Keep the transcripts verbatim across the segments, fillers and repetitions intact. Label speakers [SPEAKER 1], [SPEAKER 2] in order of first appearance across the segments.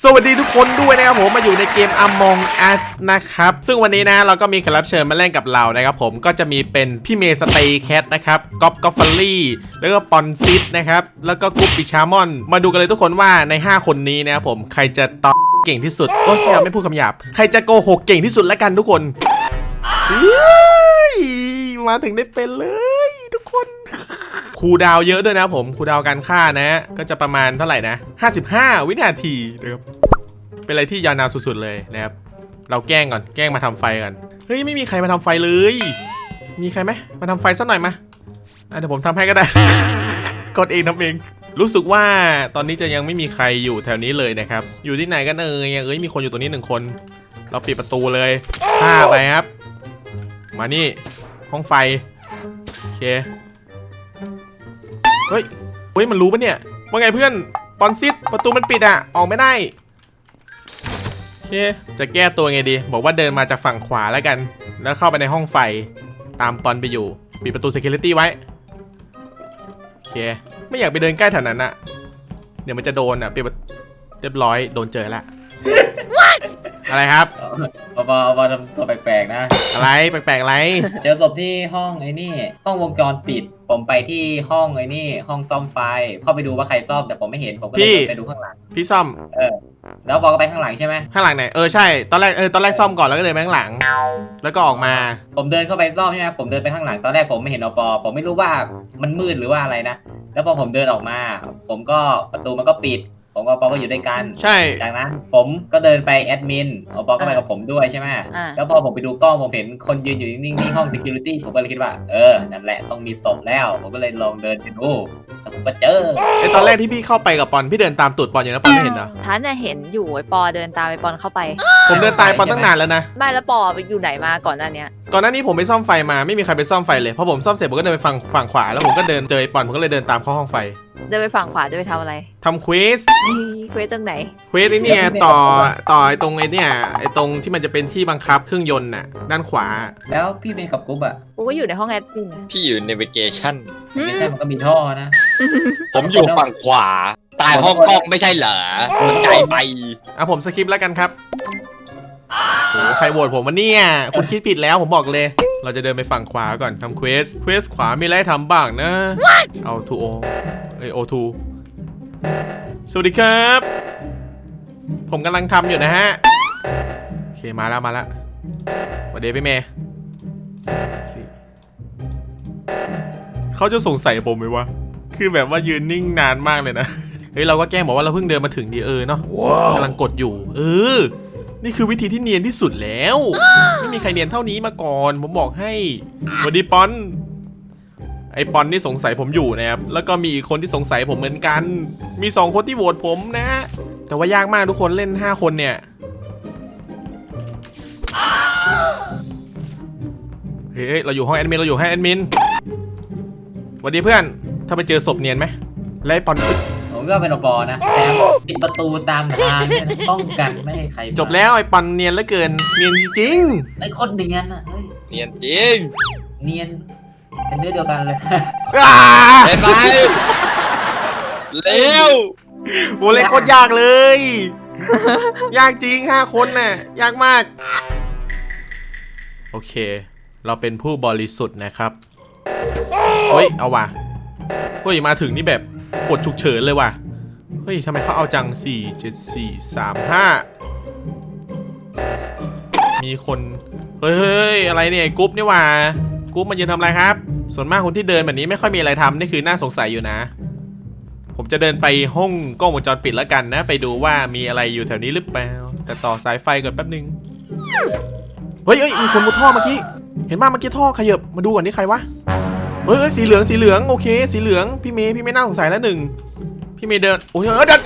[SPEAKER 1] สวัสดีทุกคนด้วยนะครับผมมาอยู่ในเกม Among Us นะครับซึ่งวันนี้นะเราก็มีแขกรับเชิญมาเล่นกับเรานะครับผมก็จะมีเป็นพี่เมย์สเตย์แคทนะครับก๊อฟกอฟฟอลลี่แล้วก็ปอนซิดนะครับแล้วก็กุ๊ปปิชามอนมาดูกันเลยทุกคนว่าในห้าคนนี้นะครับผมใครจะตอบเก่งที่สุดโอ๊ยไม่เอาไม่พูดคำหยาบใครจะโกหกเก่งที่สุดแล้วกันทุกคนมาถึงได้เป็นเลยทุกคนคูลดาวน์เยอะด้วยนะผมคูลดาวน์การฆ่านะก็จะประมาณเท่าไหร่นะห้าสิบห้าวินาทีนะครับเป็นอะไรที่ยาวนานสุดๆเลยนะครับเราแกล้งก่อนแกล้งมาทำไฟกันเฮ้ยไม่มีใครมาทำไฟเลยมีใครไหมมาทำไฟสักหน่อยมาเดี๋ยวผมทำให้ก็ได้ กดเองทำเองรู้สึกว่าตอนนี้จะยังไม่มีใครอยู่แถวนี้เลยนะครับอยู่ที่ไหนกันเอ่ยเอ้ยมีคนอยู่ตรงนี้หนึ่งคนเราปิดประตูเลยฆ่าไปครับมานี่ห้องไฟโอเคเฮ้ยเฮ้ยมันรู้ปะเนี่ยว่าไงเพื่อนปอนซิดประตูมันปิดอะออกไม่ได้โอเคจะแก้ตัวไงดีบอกว่าเดินมาจากฝั่งขวาแล้วกันแล้วเข้าไปในห้องไฟตามปอนไปอยู่ปิดประตู security ไว้โอเคไม่อยากไปเดินใกล้แถวนั้นอะเดี๋ยวมันจะโดนอะปิดเรียบร้อยโดนเจอแล้ว อะไรครับ
[SPEAKER 2] บอบอบอทำตัวแปลกๆนะ
[SPEAKER 1] อะไรแปลกๆอะไร
[SPEAKER 2] เจอศพที่ห้องไอ้นี่ห้องวงจรปิดผมไปที่ห้องไอ้นี่ห้องซ่อมไฟเข้าไปดูว่าใครซ่อมแต่ผมไม่เห็นผมก็เลยไปดูข้างหลัง
[SPEAKER 1] พี่ซ่อม
[SPEAKER 2] เออแล้วบอกก็ไปข้างหลังใช่ไหม
[SPEAKER 1] ข้างหลังไหนเออใช่ตอนแรกเออตอนแรกซ่อมก่อนแล้วก็เดินไปข้างหลังแล้วก็ออกมา
[SPEAKER 2] ผมเดินเข้าไปซ่อมใช่ไหมผมเดินไปข้างหลังตอนแรกผมไม่เห็นอปอผมไม่รู้ว่ามันมืดหรือว่าอะไรนะแล้วพอผมเดินออกมาผมก็ประตูมันก็ปิดผมกับปอก็อยู่ด้วยกัน
[SPEAKER 1] ใช่
[SPEAKER 2] จากนั้นผมก็เดินไปแอดมินปอก็ไปกับผมด้วยใช่ไหมแล้วพอผมไปดูกล้องผมเห็นคนยืนอยู่นิ่งๆห้อง security ผมก็เลยคิดว่าเออนั่นแหละต้องมีศพแล้วผมก็เลยลองเดินไปดูแต่ผมก็เจอ
[SPEAKER 1] ไอตอนแรกที่พี่เข้าไปกับปอนพี่เดินตามตูดปอนอยู่นะปอนไม่เห็นเหรอ
[SPEAKER 3] ท่านน่ะเห็นอยู่ไอปอเดินตามไอปอนเข้าไป
[SPEAKER 1] ผมเดินตามปอนตั้งนานแล้วนะ
[SPEAKER 3] ไม่แล้วปอไปอยู่ไหนมาก่อนหน้านี้
[SPEAKER 1] ก่อนหน้านี้ผมไปซ่อมไฟมาไม่มีใครไปซ่อมไฟเลยพอผมซ่อมเสร็จผมก็เดินไปฝั่งฝั่งขวาแล้วผมก็เดินเจอไอปอนผมก็เลยเดินตามเข้าห้องไฟ
[SPEAKER 3] เดินไปฝั่งขวาจะไปทำอะไร
[SPEAKER 1] ทำเควส
[SPEAKER 3] เควสตรงไหน
[SPEAKER 1] เควสไอเนี่ยต่อต่อไอตรงไอเนี่ยไอตรงที่มันจะเป็นที่บังคับเครื่องยนต์น่ะด้านขวา
[SPEAKER 2] แล้วพี่เมย์กับกุ๊บอ่ะ
[SPEAKER 3] กูก็อยู่ในห้องแอดมิน
[SPEAKER 4] พี่อยู่ navigation
[SPEAKER 2] ไม่ใช่มันก็มีท่อนะ
[SPEAKER 4] ผมอยู่ฝั่งขวาตายห้องกล้องไม่ใช่เหรอมันไกลไป
[SPEAKER 1] อ่ะผมสคิปแล้วกันครับโอ้ใครโหวตผมวะเนี่ยคุณคิดผิดแล้วผมบอกเลยเราจะเดินไปฝั่งขวาก่อนทำเควสเควสขวามีอะไรทำบ้างนะเอาทูโอเอโอทูสวัสดีครับผมกำลังทำอยู่นะฮะโอเคมาแล้วมาแล้วสวัสดีพี่เมย์เขาจะสงสัยผมไหมวะคือแบบว่ายืนนิ่งนานมากเลยนะเฮ้ยเราก็แกล้งบอกว่าเราเพิ่งเดินมาถึงดีเออเนาะกำลังกดอยู่เออนี่คือวิธีที่เนียนที่สุดแล้วไม่มีใครเนียนเท่านี้มาก่อนผมบอกให้สวัสดีปอนไอปอนนี่สงสัยผมอยู่นะครับแล้วก็มีอีกคนที่สงสัยผมเหมือนกันมีสองคนที่โหวตผมนะแต่ว่ายากมากทุกคนเล่นห้าคนเนี่ยเฮ้ยเราอยู่ห้องแอดมินเราอยู่ห้องแอดมินสวัสดีเพื่อนถ้าไปเจอศพเนียนไหมไล่ปอน
[SPEAKER 2] ผมก็เป็นอปอนะแต่ปิดประตูตามทางเนี่ยป้องกันไม่ให้ใคร
[SPEAKER 1] จบแล้วไอ้ปอนเนียนเหลือเกินเนียนจริง
[SPEAKER 2] ไอ้คนเนียนอ่ะ
[SPEAKER 4] เนียนจริง
[SPEAKER 2] เนียนเป็นเนื้อเดียวกันเลย
[SPEAKER 4] เห็นไหมเร็ว
[SPEAKER 1] โหเล่นโคตรยากเลย ยากจริงห้าคนน่ะยากมากโอเคเราเป็นผู้บริสุทธิ์นะครับเฮ้ยเอาว่ะเฮ้ยมาถึงนี่แบบกดฉุกเฉินเลยว่ะเฮ้ยทำไมเขาเอาจังสี่ เจ็ด สี่ สาม ห้ามีคนเฮ้ยอะไรเนี่ยกรุ๊ปนี่ว่ะกรุ๊ปมันยืนทำอะไรครับส่วนมากคนที่เดินแบบนี้ไม่ค่อยมีอะไรทำนี่คือน่าสงสัยอยู่นะผมจะเดินไปห้องกล้องวงจรปิดแล้วกันนะไปดูว่ามีอะไรอยู่แถวนี้หรือเปล่าแต่ต่อสายไฟก่อนแป๊บนึงเฮ้ยเฮ้ยมีคนมุดท่อเมื่อกี้เห็นมาเมื่อกี้ท่อขยับมาดูก่อนนี่ใครวะเฮ้ยสีเหลืองสีเหลืองโอเคสีเหลืองพี่เมย์พี่ไม่น่าสงสัยแล้วหนึ่งพี่เมย์เดินโอ้ยเออเดิน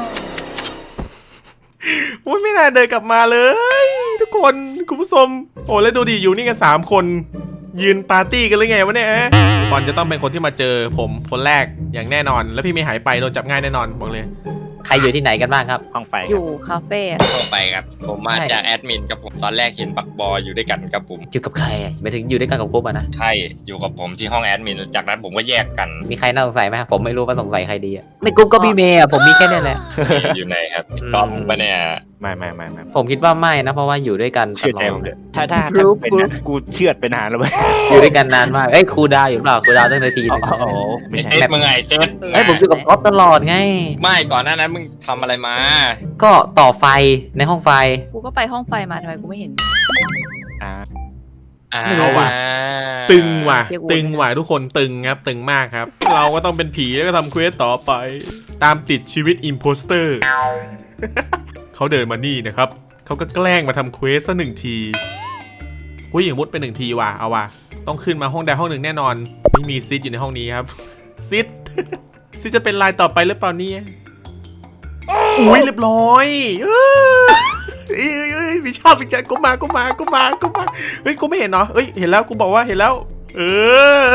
[SPEAKER 1] โอ้ยไม่น่าเดินกลับมาเลยทุกคนคุณผู้ชมโอ้แล้วดูดิอยู่นี่กันสามคนยืนปาร์ตี้กันเลยไงวะเนี่ยบอลจะต้องเป็นคนที่มาเจอผมคนแรกอย่างแน่นอนแล้วพี่เมย์หายไปโดนจับง่ายแน่นอนบอกเลย
[SPEAKER 5] ใครอยู่ที่ไหนกันบ้างครับ
[SPEAKER 6] ห้องไฟ
[SPEAKER 3] อยู่คาเฟ่อะ
[SPEAKER 4] เข้าไปครับ ผมมาจากแอดมินกับผมตอนแรกเห็นบักบอยอยู่ด้วยกันกับผม
[SPEAKER 5] อยู่กับใครอะไปถึงอยู่ด้วยกันกับกรุ๊ปอะนะ
[SPEAKER 4] ใช่อยู่กับผมที่ห้องแอดมินจากนั้นผมก็แยกกัน
[SPEAKER 5] มีใครน่าสงสัยไหมครับผมไม่รู้ว่าสงสัยใครดีอะในกรุ๊ปก็พี่เมย์อะผมมีแค่นี้แหละ
[SPEAKER 4] อยู่ไหนครับก๊อฟปะเนี่ย
[SPEAKER 6] ไม่ไม่ไม่ไม่
[SPEAKER 5] ผมคิดว่าไม่นะเพราะว่าอยู่ด้วยกันต
[SPEAKER 6] เชื่อ
[SPEAKER 5] ล
[SPEAKER 6] ใจ
[SPEAKER 5] อ
[SPEAKER 6] ผม
[SPEAKER 5] ด
[SPEAKER 6] เถอะถ้าถ้าถ้าเป็นนะกูเชื่อดไปนานแล้วเว้ย
[SPEAKER 5] อยู่ด้วยกันนานมากเอ้ยครูดาวอยู่หรือเปล่าครูดาวตั้งนาทีหนึง
[SPEAKER 6] โอ้โหไม่
[SPEAKER 4] ไอ
[SPEAKER 6] ใช่
[SPEAKER 4] เซตมึงไงเซต
[SPEAKER 5] เอ้ยผมอยู่กับก๊อฟตลอดไง
[SPEAKER 4] ไม่ก่อนหน้านั้นมึงทำอะไรมา
[SPEAKER 5] ก็ต่อไฟในห้องไฟ
[SPEAKER 3] กูก็ไปห้องไฟมาทำไมกูไม่เห็น
[SPEAKER 6] อ่า
[SPEAKER 1] ไม่รู้ว่ะ ตึงว่ะตึงว่ะทุกคนตึงครับตึงมากครับ เราก็ต้องเป็นผีแล้วก็ทำเควสต่อไป ตามติดชีวิตอิมโพสเตอร์ เขาเดินมานี่นะครับเขาก็แกล้งมาทำเควสซะหนึ่งทีผู้หญิงมุดไปหนึ่งทีว่ะเอาว่ะต้องขึ้นมาห้องใดห้องหนึ่งแน่นอนไม่มีซิดอยู่ในห้องนี้ครับ ซิด ซิดจะเป็นลายต่อไปหรือเปล่าเนี่ยอุ้ยเรียบร้อยเอ้ยเอ้ยเอ้ยมีชอบอีกใจกูมากูมากูมากูมาเฮ้ยกูไม่เห็นเนาะเฮ้ยเห็นแล้วกูบอกว่าเห็นแล้ว เออ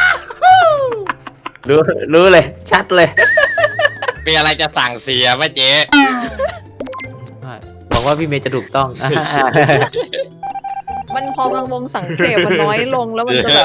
[SPEAKER 5] รู้รู้เลยชัดเลย
[SPEAKER 4] มีอะไรจะสั่งเสียป่ะเจ๊
[SPEAKER 5] บอกว่าพี่เมย์จะถูกต้อง
[SPEAKER 3] มันพอมันวงสังเกตมันน้อยลงแล้วมันจะแบบ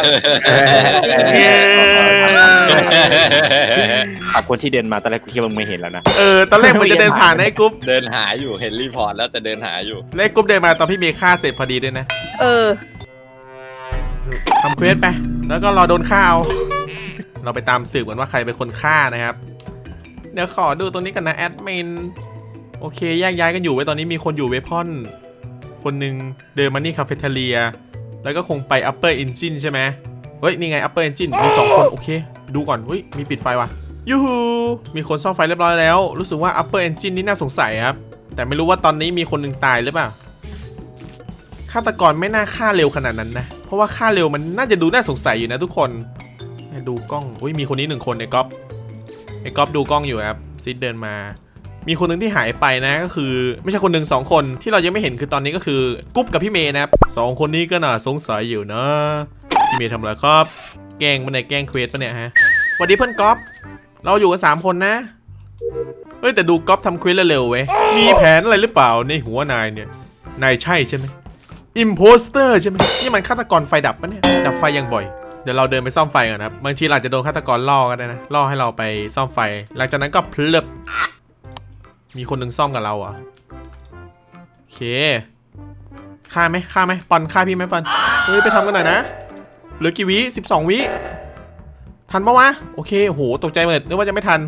[SPEAKER 6] ขอบคนที่เดินมาตอนแรกกูคิดว่ามึงไม่เห็นแล้วนะ
[SPEAKER 1] เออตอนแรกมันจะเดินผ่านไอ้กรุ๊ป
[SPEAKER 4] เดินหาอยู่เห็นรีพอร์ตแล้วแต่เดินหาอยู่
[SPEAKER 1] แล้วไอ้กรุ๊ปเดินมาตอนพี่เมย์ฆ่าเสร็จพอดีด้วยนะ
[SPEAKER 3] เออ
[SPEAKER 1] ทำเควสไป แล้วก็รอโดนฆ่าเอา เราไปตามสืบกันว่าใครเป็นคนฆ่านะครับ เดี๋ยวขอดูตรงนี้กันนะแอดมิน โอเคแยกย้ายกันอยู่ไว้ตอนนี้มีคนอยู่เวพอน คนหนึ่งเดินมานี่คาเฟ่เทเลีย แล้วก็คงไป upper engine ใช่ไหมเฮ้ย นี่ไง upper engine มีสองคน โอเค ดูก่อนเฮ้ย มีปิดไฟว่ะยูฮูมีคนซ่อมไฟเรียบร้อยแล้ว รู้สึกว่า upper engine นี่น่าสงสัยครับ แต่ไม่รู้ว่าตอนนี้มีคนหนึ่งตายหรือเปล่า ฆาตกรไม่น่าฆ่าเร็วขนาดนั้นนะ เพราะว่าฆ่าเร็วมันน่าจะดูน่าสงสัยอยู่นะทุกคน ดูกล้องอุ้ยมีคนนี้หนึ่งคนไอ้ก๊อฟไอ้ก๊อฟดูกล้องอยู่ครับซิดเดินมา มีคนหนึ่งที่หายไปนะก็คือไม่ใช่คนหนึ่งสองคนที่เรายังไม่เห็นคือตอนนี้ก็คือกุ๊บกับพี่เมย์นะครับสองคนนี้ก็น่าสงสัยอยู่นะพี่เมย์ทำอะไรครับแกล้งมันไหนแกล้งเควสปะเนี่ยฮะสวัสดีเพื่อนก๊อฟเราอยู่กันสามคนนะเฮ้ยแต่ดูก๊อฟทำเควสเร็วๆเว้ยมีแผนอะไรหรือเปล่าในหัวนายเนี่ยนายใช่ใช่ไหมอิมโพสเตอร์ใช่ไหมนี่มันฆาตกรไฟดับปะเนี่ยดับไฟยังบ่อยเดี๋ยวเราเดินไปซ่อมไฟก่อนครับบางทีเราอาจจะโดนฆาตกรล่อก็ได้นะล่อให้เราไปซ่อมไฟหลังจากนั้นก็เพลิบมีคนหนึ่งซ่อมกับเราอ่ะโอเคฆ่าไหมฆ่าไหมปอนฆ่าพี่ไหมปอนเฮ้ยไปทำกันหน่อยนะเหลือกี่วิสิบสองวิทันปะวะโอเคโหตกใจหมดนึกว่าจะไม่ทัน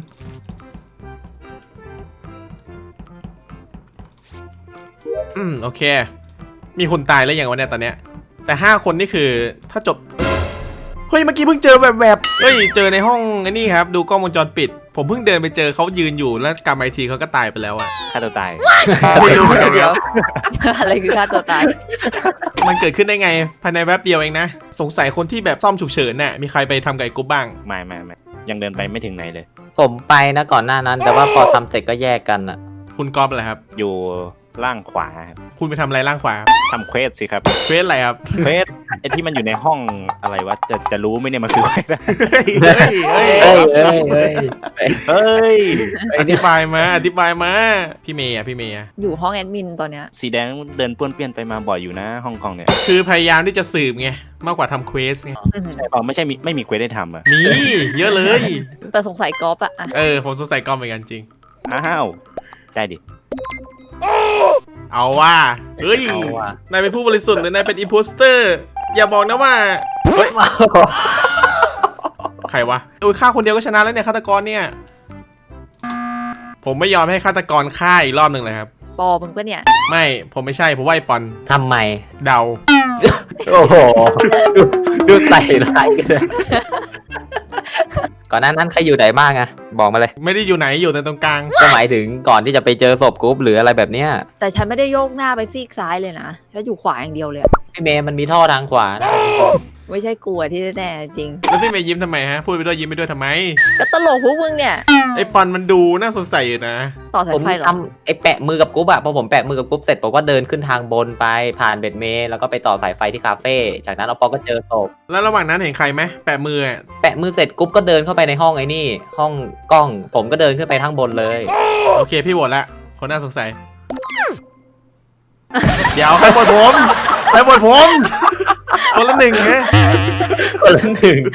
[SPEAKER 1] อืมโอเคมีคนตายแล้วอย่างวันเนี้ยตอนเนี้ยแต่ห้าคนนี่คือถ้าจบเฮ้ยเมื่อกี้เพิ่งเจอแบบแบบเฮ้ยเจอในห้องไอ้นี่ครับดูกล้องวงจรปิดผมเพิ่งเดินไปเจอเขายืนอยู่แล้วกลับมาอีกทีเขาก็ตายไปแล้วอะ
[SPEAKER 6] ฆ่าตัวตาย
[SPEAKER 1] ไม่รู้เหมือนกัน
[SPEAKER 3] เดี๋
[SPEAKER 1] ค
[SPEAKER 3] ยว
[SPEAKER 1] รับ
[SPEAKER 3] อะไรคือฆ่าตัวตาย
[SPEAKER 1] มันเกิดขึ้นได้ไงภายในแวบเดียวเองนะสงสัยคนที่แบบซ่อมฉุกเฉินน่ะมีใครไปทำกับไอ้กุ๊บบ้าง
[SPEAKER 6] ไม่ไม่ไม่ยังเดินไปไม่ถึงไหนเลย
[SPEAKER 5] ผมไปนะก่อนหน้านั้น แต่ว่าพอทำเสร็จก็แยกกันอะ
[SPEAKER 1] คุณก๊อฟอะไรครับ
[SPEAKER 6] อยู่ล่างขวาครับ
[SPEAKER 1] คุณไปทำอะไรล่างขวาครับ
[SPEAKER 6] ทำเควสสิครับ
[SPEAKER 1] เควสอะไรครับ
[SPEAKER 6] เควสไอที่มันอยู่ในห้องอะไรวะจะจะรู้ไหมเนี่ยมันคืออะไร
[SPEAKER 1] เฮ้ยเฮ้ยเฮ้ย
[SPEAKER 5] เอ้ยเอ้ยเอ้ย
[SPEAKER 6] เฮ้ย
[SPEAKER 1] อธิบายมาอธิบายมาพี่เมย์อะพี่เมย์อะ
[SPEAKER 3] อยู่ห้องแอดมินตอนเนี้ย
[SPEAKER 6] สีแดงเดินป้วนเปี้ยนไปมาบ่อยอยู่นะฮ่องกงเนี่ย
[SPEAKER 1] คือพยายามที่จะสืบไงมากกว่าทำเควสไง
[SPEAKER 3] อืม
[SPEAKER 6] ใช่เปล่าไม่ใช่มีไม่มีเควสได้ทำอ่ะ
[SPEAKER 1] มีเยอะเลย
[SPEAKER 3] แต่สงสัยกอล์ฟอะอะ
[SPEAKER 1] เออผมสงสัยก๊อฟเหมือนกันจริง
[SPEAKER 6] อ้าวได้ดิ
[SPEAKER 1] เอาว่าเฮ้ย
[SPEAKER 5] เอาว่ะ
[SPEAKER 1] นายเป็นผู้บริสุทธิ์หรือนายเป็นอิมโพสเตอร์อย่าบอกนะว่าเฮ้ยใครวะโอ้ยฆ่าคนเดียวก็ชนะแล้วเนี่ยฆาตกรเนี่ยผมไม่ยอมให้ฆาตกรฆ่าอีกรอบหนึ่งเลยครับ
[SPEAKER 3] ปอมึงปะเนี่ย
[SPEAKER 1] ไม่ผมไม่ใช่ผมว่าไอ้ปอน
[SPEAKER 5] ทำไม
[SPEAKER 1] เดา
[SPEAKER 5] โอ้โหดูดูใส่ร้ายกันเลยก่อนหน้านั้นใครอยู่ไหนบ้างอะบอกมาเลย
[SPEAKER 1] ไม่ได้อยู่ไหนอยู่แต่ตรงกลาง
[SPEAKER 5] ก็หมายถึงก่อนที่จะไปเจอศพกรุ๊ปหรืออะไรแบบเนี้ย
[SPEAKER 3] แต่ฉันไม่ได้โยกหน้าไปซีกซ้ายเลยนะฉันอยู่ขวาอย่างเดียวเลยอะ
[SPEAKER 5] พี่เมย์มันมีท่อทางขวานะ
[SPEAKER 3] ไม่ใช่กลัวที่แน่ๆจริง
[SPEAKER 1] แล้วพี่เมย์ยิ้มทำไมฮะพูดไปด้วยยิ้มไปด้วยทำไม
[SPEAKER 3] ก็ตลกพวกมึงเนี่ย
[SPEAKER 1] ไอ้ปอนมันดูน่าสงสัยอยู่นะ
[SPEAKER 3] ต่อสา
[SPEAKER 5] ผ
[SPEAKER 3] ย
[SPEAKER 5] ม
[SPEAKER 3] ไฟเหรอ
[SPEAKER 5] ทำไอ้แปะมือกับกรุ๊ปอะพอผมแปะมือกับกรุ๊ปเสร็จผมก็เดินขึ้นทางบนไปผ่านเบ็ดเมย์แล้วก็ไปต่อสายไฟที่คาเฟ่จากนั้นเราปอก็เจอศพ
[SPEAKER 1] แล้วระหว่างนั้นเห็นใครไหมแปะมืออะ
[SPEAKER 5] แปะมือเสร็จกรุ๊ปก็เดินเข้าไปในห้องไอ้นี่ ห้องกล้องผมก็เดินขึ้นไปข้างบนเลย
[SPEAKER 1] โอเคพี่โหวตละคนน่าสงสัย เดี๋ยวใครโหวตผมใครโหวตผม คนละหนึ่งไง
[SPEAKER 5] คนละหนึ่ง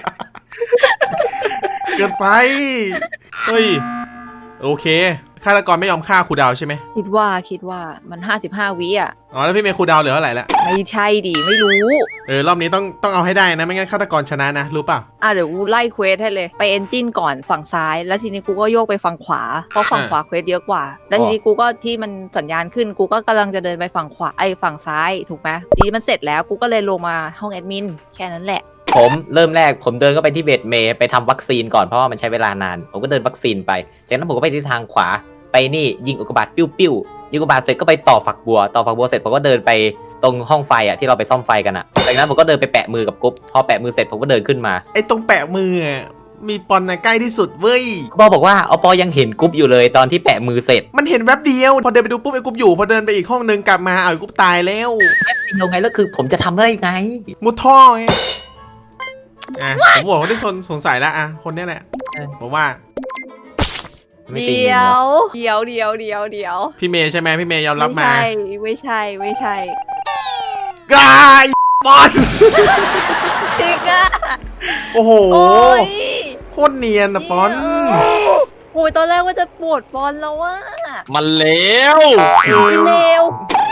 [SPEAKER 1] เกินไปเฮ้ยโอเคฆาตกรไม่ยอมฆ่าครูดาวใช่ไหม
[SPEAKER 3] คิดว่าคิดว่ามันห้าสิบห้าวิอ่ะ
[SPEAKER 1] อ๋อแล้วพี่เมย์ครูดาวเหลือเท่าไหร่ละ
[SPEAKER 3] ไม่ใช่ดิไม่รู้
[SPEAKER 1] เออรอบนี้ต้องต้องเอาให้ได้นะไม่งั้นฆาตกรชนะนะรู้เปล่า
[SPEAKER 3] อ่ะเดี๋ยวกูไล่เควสให้เลยไปเอนจินก่อนฝั่งซ้าย แล้วทีนี้กูก็โยกไปฝั่งขวาเพราะฝั่ง
[SPEAKER 1] อ่า
[SPEAKER 3] ขวาเควสเยอะกว่า แล้วทีนี้กูก็ที่มันสัญญาณขึ้นกูก็กำลังจะเดินไปฝั่งขวาไอ้ฝั่งซ้ายถูกไหมทีนี้มันเสร็จแล้วกูก็เลยลงมาห้องแอดมินแค่นั้นแหละ
[SPEAKER 5] ผมเริ่มแรกผมเดินเข้าไปที่เบ็ดเมย์ไปทำวัคซีนก่อนเพราะว่ามันใช้เวลานาน ผมก็เดินวัคซีนไปจากนั้นผมก็ไปที่ทางขวาไปนี่ยิงอุกกาบาตปิ้วปิ้วยิงอุกกาบาตเสร็จก็ไปต่อฝักบัวต่อฝักบัวเสร็จผมก็เดินไปตรงห้องไฟอ่ะที่เราไปซ่อมไฟกันอ่ะจากนั้นผมก็เดินไปแปะมือกับกุ๊บพอแปะมือเสร็จผมก็เดินขึ้นมา
[SPEAKER 1] ไอ้ตรงแปะมืออะมีปอนนะใกล้ที่สุดเว้ย
[SPEAKER 5] ปอบอกว่าอปอยังเห็นกุ๊บอยู่เลยตอนที่แปะมือเสร็จ
[SPEAKER 1] มันเห็นแวบเดียวพอเดินไปดูปุ๊บไอ้กุ๊บอยู่พอเดินไปอีกห้องนึงกลับมาเอาไอ้กุ๊บตายแล้ว
[SPEAKER 5] ยังไงแล้วคือผมจะทำได้ไง
[SPEAKER 1] มุดท่อไงอ่ะผมบอกว่าได้สนสงสัยแล้วอ่ะคนเนี้ยแหละผมว่า
[SPEAKER 5] ไม่ตี
[SPEAKER 3] เดี๋
[SPEAKER 5] เนีย
[SPEAKER 3] ย
[SPEAKER 5] น
[SPEAKER 3] วเดี๋ยวเดี๋ยวเดี๋ยวเดี๋ยว
[SPEAKER 1] พี่เมย์ใช่ไหมพี่เมย์ยอมรับ
[SPEAKER 3] ไม่
[SPEAKER 1] มา
[SPEAKER 3] ใช่ไม่ใช่ไม่ใช่
[SPEAKER 1] กายปอน
[SPEAKER 3] จริงอะ
[SPEAKER 1] โอ้โห
[SPEAKER 3] โอ้ย
[SPEAKER 1] โคตรเนียนนะปอน
[SPEAKER 3] โอ้ยตอนแรกว่าจะปวดบอลแล้วว่า
[SPEAKER 4] มันเลว
[SPEAKER 3] เร็ว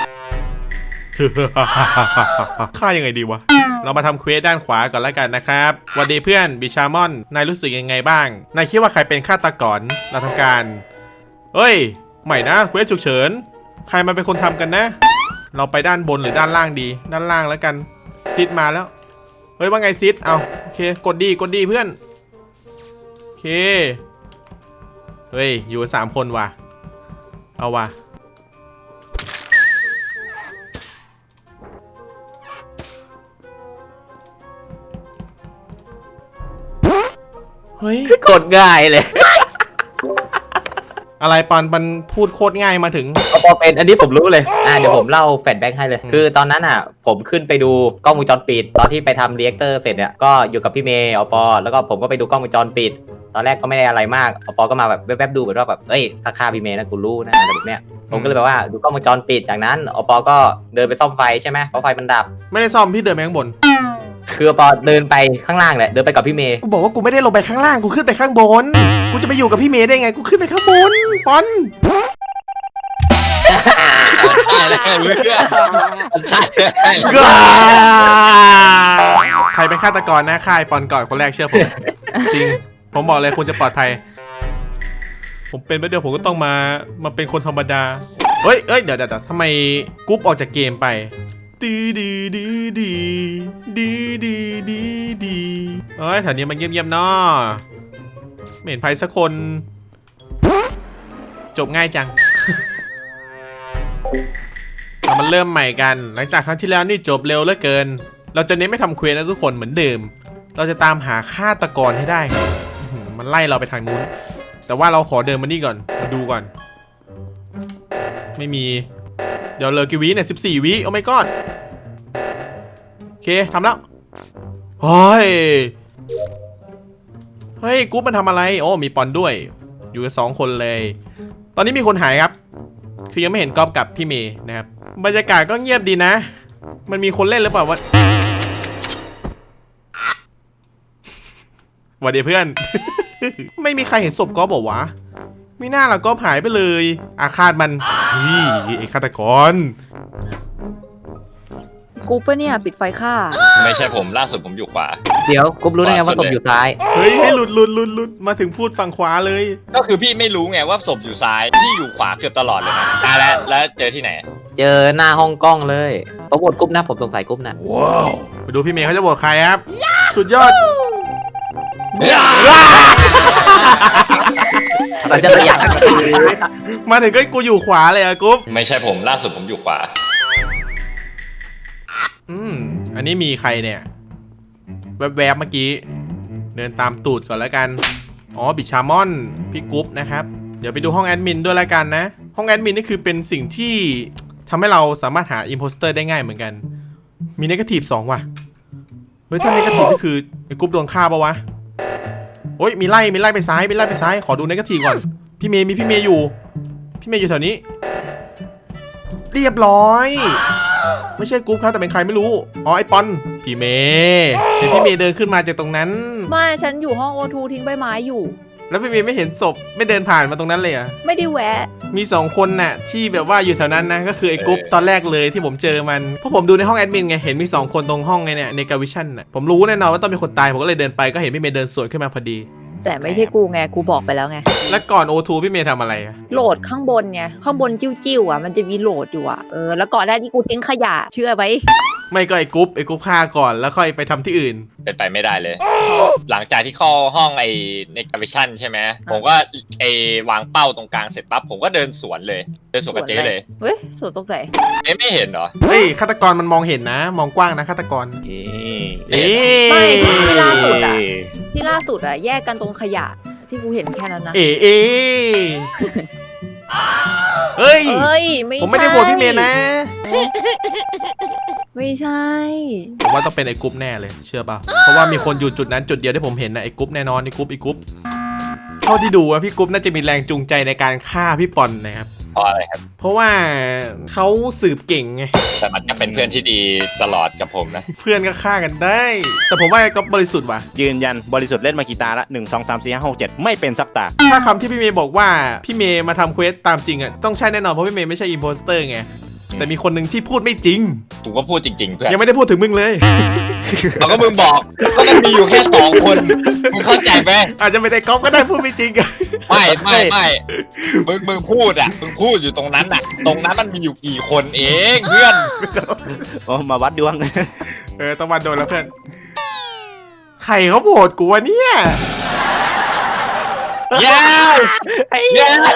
[SPEAKER 1] ฆ่ายังไงดีวะ เรามาทำเควสด้านขวาก่อนแล้วกันนะครับสวัสดีเพื่อนบิชามอน นายรู้สึกยังไงบ้าง นายคิดว่าใครเป็นฆาตกรเราทำการเฮ้ย ใหม่นะเควสฉุกเฉิน ใครมาเป็นคนทำกันนะ เราไปด้านบนหรือด้านล่างดี ด้านล่างแล้วกัน ซิดมาแล้ว เฮ้ยว่าไงซิด เอาโอเค กดดี กดดีเพื่อน โอเค เฮ้ย อยู่กันสามคนว่ะ เอาว่ะ เฮ้ย
[SPEAKER 5] กดง่ายเลย
[SPEAKER 1] อะไรปอนมันพูดโคตรง่ายมาถึง
[SPEAKER 5] อปอเป็นอันนี้ผมรู้เลยอ่าเดี๋ยวผมเล่าแฟลชแบ็กให้เลย
[SPEAKER 1] อืม
[SPEAKER 5] คือตอนนั้นอ่ะ ผมขึ้นไปดูกล้องวงจรปิด ตอนที่ไปทำเรีแอคเตอร์เสร็จเนี่ยก็อยู่กับพี่เมย์อปอแล้วก็ผมก็ไปดูกล้องวงจรปิด ตอนแรกก็ไม่ได้อะไรมากอปอก็มาแบบแวบๆดูแบบว่าแบบเอ้ยถ้าฆ่าพี่เมย์นะกูรู้นะอะไรแบบเนี้ยผมก็เลยแบบว่าดูกล้องวงจรปิดจากนั้นอปอก็เดินไปซ่อมไฟใช่ไหมเพราะไฟมันดับ
[SPEAKER 1] ไม่ได้ซ่อมพี่เดินไปข้างบน
[SPEAKER 5] คืออปอเดินไปข้างล่างแหละเดินไปกับพี่เมย์
[SPEAKER 1] กูบอกว่ากูไม่ได้ลงไปข้างล่างกูขึ้นไปข้างบน กูจะไปอยู่กับพี่เมย์ได้ไงกูขึ้นไปข้างบนปอน
[SPEAKER 4] อะไรเพื่อนใช่
[SPEAKER 1] กาใครเป็นฆาตกรนะฆ่าไอ้ปอนก่อนคนแรกเชื่อผม จริง ผมบอกเลยคุณจะปลอดภัย ผมเป็นไปเดียวผมก็ต้องมามาเป็นคนธรรมดาเฮ้ยเอ้ยเดี๋ยวเดี๋ยวทำไมกรุ๊ปออกจากเกมไปดีดีดีดีดีดีดีดีเอ้ยแถวนี้มันเงียบๆเนาะไม่เห็นใครสักคน จบง่ายจัง เรามันเริ่มใหม่กัน หลังจากครั้งที่แล้วนี่จบเร็วเหลือเกิน เราจะเน้นไม่ทำเควสนะทุกคนเหมือนเดิม เราจะตามหาฆาตกรให้ได้อื้อหือมันไล่เราไปทางนู้น แต่ว่าเราขอเดินมานี่ก่อน มาดูก่อน ไม่มี เดี๋ยวเหลยกี่วิเนี่ยสิบสี่วิโอ้ my god โอเคทำแล้ว เฮ้ย เฮ้ยกุ๊บมันทำอะไร โอ้มีปอนด้วย อยู่กันสองคนเลย ตอนนี้มีคนหายครับ คือยังไม่เห็นก๊อฟกับพี่เมย์นะครับ บรรยากาศก็เงียบดีนะ มันมีคนเล่นหรือเปล่าวะหวัดดีเพื่อน ไม่มีใครเห็นศพก๊อฟบอกวะไม่น่าละก๊อฟหายไปเลย อาฆาตมันนี่ไอ้ฆาตกร
[SPEAKER 3] กูปะเนี่ยปิดไฟฆ่า
[SPEAKER 4] ไม่ใช่ผมล่าสุดผมอยู่ขวา
[SPEAKER 5] เดี๋ยวกุ๊บรู้ได้ไงว่าศพอยู่ซ้าย
[SPEAKER 1] เฮ้ยให้หลุดหลุดหลุดหลุดมาถึงพูดฝั่งขวาเลย
[SPEAKER 4] ก็คือพี่ไม่รู้ไงว่าศพอยู่ซ้ายพี่อยู่ขวาเกือบตลอดเลยนะอ่ะแล้วแล้วเจอที่ไหน
[SPEAKER 5] เจอหน้าห้องกล้องเลยผมโหวตกุ๊บนะผมสงสัยกุ๊บนะ
[SPEAKER 1] ไปดูพี่เมย์เขาจะบอกใครครับ สุดยอด
[SPEAKER 5] เราจะประหยัด
[SPEAKER 1] มาถึงก็กูอยู่ขวาเลยอะกุ๊บ
[SPEAKER 4] ไม่ใช่ผมล่าสุดผมอยู่ขวา
[SPEAKER 1] อืมอันนี้มีใครเนี่ยแวบๆเมื่อกี้เดินตามตูดก่อนแล้วกันอ๋อบิชามอนพี่กุ๊บนะครับเดี๋ยวไปดูห้องแอดมินด้วยแล้วกันนะห้องแอดมินนี่คือเป็นสิ่งที่ทำให้เราสามารถหาอิมโพสเตอร์ได้ง่ายเหมือนกันมีเนกาทีฟสองว่ะเฮ้ยถ้าเนกาทีฟนี่คือไอ้กุ๊บโดนฆ่าปะวะโอ้ยมีไล่มีไล่ไปซ้ายมีไล่ไปซ้ายขอดูเนกาทีฟก่อนพี่เมย์มีพี่เมย์อยู่พี่เมย์อยู่แถวนี้เรียบร้อยไม่ใช่กุ๊บครับแต่เป็นใครไม่รู้อ๋อไอปอนพี่เมย์เห็นพี่เมย์เดินขึ้นมาจากตรงนั้น
[SPEAKER 3] ไม่ฉันอยู่ห้องโอทูทิ้งใบไม้อยู่
[SPEAKER 1] แล้วพี่เมย์ไม่เห็นศพไม่เดินผ่านมาตรงนั้นเลยอ่ะ
[SPEAKER 3] ไม่ได้แวะ
[SPEAKER 1] มีสองคนน่ะที่แบบว่าอยู่แถวนั้นนะก็คือไอ้กุ๊บตอนแรกเลยที่ผมเจอมันเพราะผมดูในห้องแอดมินไงเห็นมีสองคนตรงห้องไงเนี่ยในกาวิชั่นน่ะผมรู้แน่นอนว่าต้องมีคนตายผมก็เลยเดินไปก็เห็นพี่เมย์เดินสวนขึ้นมาพอดี
[SPEAKER 3] แต่ไม่ใช่กูไงกูบอกไปแล้วไง
[SPEAKER 1] แล้วก่อน โอ ทู พี่เมย์ทำอะไรอะ
[SPEAKER 3] โหลดข้างบนไงข้างบนจิ้วๆอ่ะมันจะมีโหลดอยู่อ่ะเออแล้วก่อนหน้าที่กูทิ้งขยะเชื่อไหม
[SPEAKER 1] ไม่ก็ไอ้กุ๊บไอ้กุ๊บฆ่าก่อนแล้วค่อยไปทำที่อื่น
[SPEAKER 4] เป็นไปไม่ได้เลย หลังจากที่เข้าห้องไอ้ในกาวิชั่นใช่ไหมผมก็ไอ้วางเป้าตรงกลางเสร็จปั๊บผมก็เดินสวนเลยเดินสวนกับเจ๊เลย
[SPEAKER 3] เฮ้ยสวนตรงไหน
[SPEAKER 4] เจ๊ไม่เห็นเหรอ
[SPEAKER 1] เฮ้ยฆาตกรมันมองเห็นนะ มองกว้างนะฆาตกร
[SPEAKER 6] เอ๊ะ
[SPEAKER 1] เอ๊ะ
[SPEAKER 3] ไม่ที่ล่าสุดอ่ะที่ล่าสุดอ่ะแยกกันตรงขยะที่กูเห็นแค่นั้นนะ
[SPEAKER 1] เอ๊ะเอ๊ะเฮ้ย
[SPEAKER 3] เฮ้ยไม่
[SPEAKER 1] ผมไม่ได้โหวตพี่เมย์นะ
[SPEAKER 3] ไม่ใช่
[SPEAKER 1] ผมว่าต้องเป็นไอ้กุ๊บแน่เลยเชื่อป่ะเพราะว่ามีคนอยู่จุดนั้นจุดเดียวที่ผมเห็นนะไอ้กุ๊บแน่นอนไอ้กุ๊บไอ้กุ๊บเท่าที่ดูว่าพี่กุ๊บน่าจะมีแรงจูงใจในการฆ่าพี่ปอนนะครับ
[SPEAKER 4] เพราะอะไรครับ
[SPEAKER 1] เพราะว่าเขาสืบเก่งไง
[SPEAKER 4] แต่มันก็เป็นเพื่อนที่ดีตลอดกับผมนะ
[SPEAKER 1] เพื่อนก็ฆ่ากันได้ แต่ผมว่าไอ้ก๊อฟบริสุทธิ์ว่ะ
[SPEAKER 6] ยืนยันบริสุทธิ์เล่นมากี่ตาละหนึ่งสองสามสี่ห้าหกเจ็ดไม่เป็นสักตา
[SPEAKER 1] ถ้าคำที่พี่เมย์บอกว่าพี่เมย์มาทำเควสตามจริงอ่ะต้องใช่แน่นอนเพราะพี่เมย์ไม่ใช่อิมโพสเตอร์ไงแต่มีคนหนึ่งที่พูดไม่จริง
[SPEAKER 4] ผมก็พูดจริงๆเพื่อน
[SPEAKER 1] ยังไม่ได้พูดถึงมึงเลย
[SPEAKER 4] เราก็มึงบอกก็มันมีอยู่แค่สองคนมึงเข้าใจไหม
[SPEAKER 1] อาจจะไม่ได้ก๊อฟก็ได้พูดไม่จริงอะ
[SPEAKER 4] ไม่ไม่ไม่มึงมึงพูดอ่ะมึงพูดอยู่ตรงนั้นอ่ะ ตรงนั้นมันมีอยู่กี่คนเองเพื่อน
[SPEAKER 6] โอ้มาวัดดวง
[SPEAKER 1] เออต้องมาโดนแล้วเพื่อนใครเขาโหวตกูวะเนี่ย
[SPEAKER 4] เย้เย้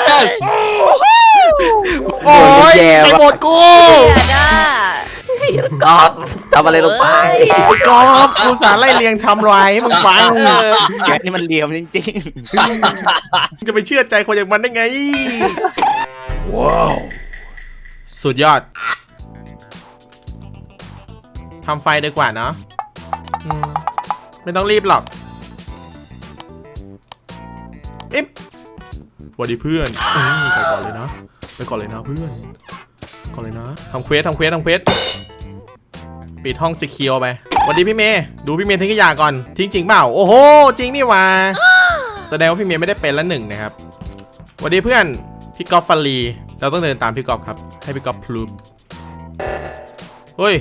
[SPEAKER 1] โอ้ย
[SPEAKER 5] แย่
[SPEAKER 1] ใคร
[SPEAKER 5] ว่ะ
[SPEAKER 1] โหวตกู
[SPEAKER 3] อย่าด่าก
[SPEAKER 5] อบทำอะไรลงไป
[SPEAKER 1] ไอ้กอฟกูสารไล่เลียงทำไรให้มึงฟัง
[SPEAKER 6] แกนี่มันเหลี่ยมจริง
[SPEAKER 1] จะไปเชื่อใจคนอย่างมันได้ไง ว้าว สุดยอด ทำไฟดีกว่าเนาะอืมไม่ต้องรีบหรอกอิ๊บสวัสดีเพื่อนอืมไปก่อนเลยนะ ไปก่อนเลยนะเพื่อน ก่อนเลยนะ ทำเควสทำเควสทำเควส ปิดห้องซีเคียวไปสวัสดีพี่เมย์ดูพี่เมย์ทิ้งขยะก่อน ทิ้งจริงเปล่า โอ้โห จริงนี่หว่า แสดงว่าพี่เมย์ไม่ได้เป็นละหนึ่งนะครับสวัสดีเพื่อน พี่กอล์ฟฟันลีเราต้องเดินตามพี่กอล์ฟครับ ให้พี่กอล์ฟพลูปเฮ้ย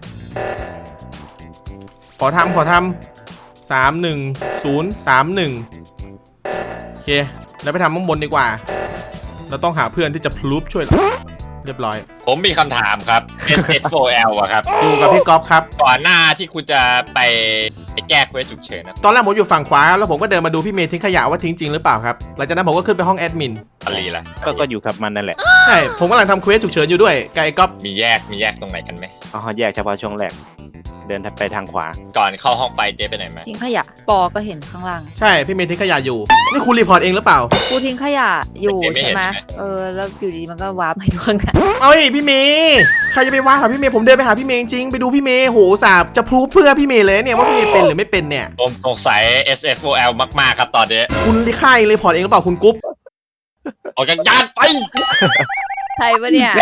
[SPEAKER 1] ขอทำขอทำสามหนึ่งศูนย์สามหนึ่งโอเค แล้วไปทำข้างบนดีกว่า เราต้องหาเพื่อนที่จะพลูปช่วยเราเรียบร้อย
[SPEAKER 4] ผมมีคำถามครับ เอส เอส โฟ แอล อะครับ
[SPEAKER 1] อยู่กับพี่กอล์ฟครับ
[SPEAKER 4] ก่อนหน้าที่คุณจะไปไปแก้เควสฉุกเฉินนะ
[SPEAKER 1] ตอนแรกผมอยู่ฝั่งขวาแล้วผมก็เดินมาดูพี่เมย์ทิ้งขยะว่าทิ้งจริงหรือเปล่าครับหลังจากนั้นผมก็ขึ้นไปห้องแอดมิน
[SPEAKER 4] อลีล่ะ
[SPEAKER 6] ๆ ก็ก็อยู่กับมันนั่นแหละ
[SPEAKER 1] ใช่ผมกำลังทำเควสฉุกเฉินอยู่ด้วยกับไอ้ก๊อฟ
[SPEAKER 4] มีแยกมีแยกตรงไหนกันไหม
[SPEAKER 6] อ๋อแยกเฉพาะช่วงแรก เดินไปทางขวา
[SPEAKER 4] ก่อนเข้าห้องไฟเจ๊ไปไหนมา
[SPEAKER 3] ทิ้งขยะปอก็เห็นข้างล่าง
[SPEAKER 1] ใช่พี่เมย์ทิ้งขยะอยู่นี่คุณรีพอร์ตเองหรือเปล่า
[SPEAKER 3] กูทิ้งขยะอยู่ใช่ไหมเออแล้วอยู่ดีมันก็วาร์ปมาอยู่ข้างหน้า
[SPEAKER 1] เอ้ยพี่เมย์ใครจะไปว่าหาพี่เมย์ผมเดินไปหาพี่เมย์จริงๆไปดูพี่เมย์โหสาบจะพรูฟเพื่อพี่เมย์เลยเนี่ยว่าพี่เมย์เป็นหรือไม่เป็นเนี่ย
[SPEAKER 4] ผมสงสัย เอส เอส โฟ แอล มากๆครับตอนนี้
[SPEAKER 1] คุณรีค่ายรีพอร์ตเองหรือเปล่าคุณกุ๊บ
[SPEAKER 4] ออกจากยานไป
[SPEAKER 3] ใครปะเนี่ย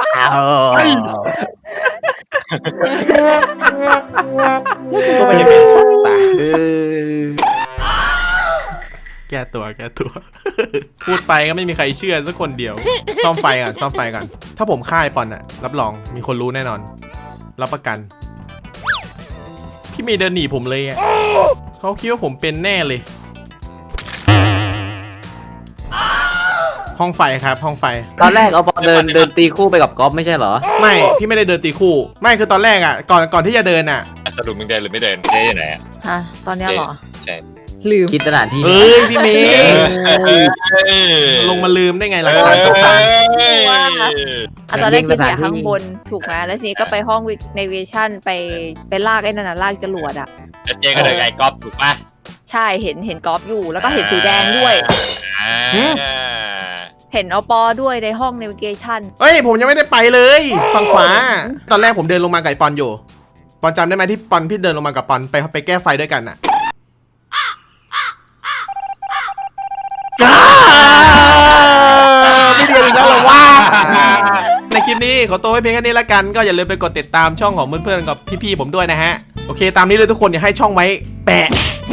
[SPEAKER 6] ก็ไม่ได้เป็นสักตา
[SPEAKER 1] แก้ตัวแก้ตัว พูดไปก็ไม่มีใครเชื่อสักคนเดียวซ่อมไฟก่อนซ่อมไฟก่อนถ้าผมฆ่าไอ้ปอนอะรับรองมีคนรู้แน่นอน รับประกัน พี่เมย์เดินหนีผมเลยอะเขาคิดว่าผมเป็นแน่เลย ห้องไฟครับห้องไฟ
[SPEAKER 5] ตอนแรกเอาบอลเดินเดินตีคู่ไปกับกอล์ฟไม่ใช่เหรอ
[SPEAKER 1] ไม่พี่ไม่ได้เดินตีคู่ไม่คือตอนแรกอ่ะก่อนก่อนที่จะเดินอ่ะ
[SPEAKER 4] สรุปมึงเดินหรือไม่เดินเจ๊อยู่ไหนอะ
[SPEAKER 3] ฮะตอนเนี้ยเหรอ
[SPEAKER 4] ใช่
[SPEAKER 3] ลืม
[SPEAKER 5] คิดสถานที่
[SPEAKER 1] เอ้ยพี่เมย์ลงมาลืมได้ไงหลักฐานสำคัญ
[SPEAKER 3] อ่ะตอนแรกคิดเนี่ยข้างบนถูกไหมแล้วทีนี้ก็ไปห้อง navigation ไปไปลากไอ้นั่นน่ะลากจรวดอ่ะ
[SPEAKER 4] แล้วเจ๊ก็เดินไกลก๊อฟถูกป่ะ
[SPEAKER 3] ใช่เห็นเห็นกอล์ฟอยู่แล้วก็เห็นสีแดงด้วย
[SPEAKER 4] อ่า
[SPEAKER 3] เห็นอปอด้วยในห้อง navigation
[SPEAKER 1] เอ้ยผมยังไม่ได้ไปเลยฝั่งขวาตอนแรกผมเดินลงมากับไอ้ปอนอยู่ปอนจำได้ไหมที่ปอนพี่เดินลงมากับปอนไปไปแก้ไฟด้วยกันอะไม่เดียวอีกแล้วเหรอวะในคลิปนี้ขอตัวไว้เพียงแค่นี้ละกันก็อย่าลืมไปกดติดตามช่องของเพื่อนๆกับพี่ๆผมด้วยนะฮะโอเคตามนี้เลยทุกคนอย่าให้ช่องไว้แปะ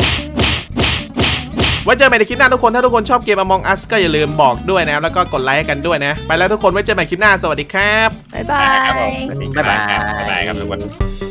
[SPEAKER 1] ไว้เจอกันใหม่ในคลิปหน้าทุกคนถ้าทุกคนชอบเกม Among Us ก็อย่าลืมบอกด้วยนะแล้วก็กดไลค์กันด้วยนะไปแล้วทุกคนไว้เจอกันใหม่คลิปหน้าสวัสดีครับ
[SPEAKER 3] บ๊ายบา
[SPEAKER 4] ครับผม
[SPEAKER 3] ย
[SPEAKER 4] บ๊ายบายครับบ๊ายบายครับทุกคน